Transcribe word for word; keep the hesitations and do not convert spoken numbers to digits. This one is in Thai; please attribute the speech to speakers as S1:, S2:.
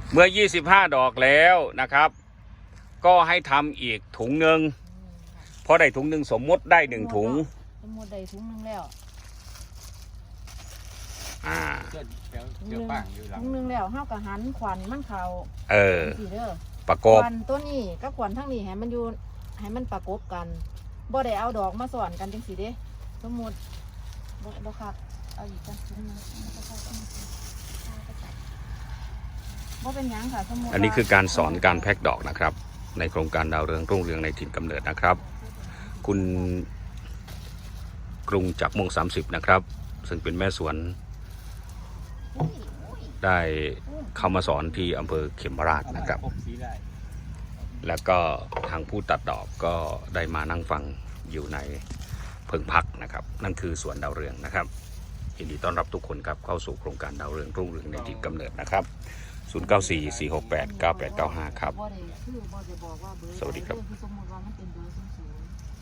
S1: เมื่อยี่สิบห้าดอกแล้วนะครับก็ให้ทำอีกถุงหนึ่งพอได้ถุงหนึ่งสมมติได้หนึ่งถุง
S2: สมมติได้ถุงหนึ่งแล้ว
S1: อ่า
S2: ถุงหนึ่งถุงหนึ่งแล้วห้าวกับหันขวัญมันเขา
S1: เออ
S2: สีเด้อ
S1: ประกบ
S2: ขวัญตัวนี้กับขวัญทั้งนี้ให้มันอยู่ให้มันประกบกันบ่ได้เอาดอกมาสอนกันจังสีเด้สมมติบ่บ่คักเอาอีกกันถุงนึงบ่เป็นหยังค่ะสมมติ
S1: อันนี้คือการสอนการแพ็คดอกนะครับในโครงการดาวเรืองรุ่งเรืองในถิ่นกำเนิดนะครับคุณกรุงจักรม่วงสามสิบนะครับซึ่งเป็นแม่สวนได้เข้ามาสอนที่อำเภอเขมราชนะครับแล้วก็ทางผู้ตัดดอกก็ได้มานั่งฟังอยู่ในเพิงพักนะครับนั่นคือสวนดาวเรืองนะครับยินดีต้อนรับทุกคนครับเข้าสู่โครงการดาวเรืองรุ่งเรืองในถิ่นกำเนิดนะครับศูนย์ เก้า สี่ สี่ หก แปด เก้า แปด เก้า ห้าครับสวัสดีครับ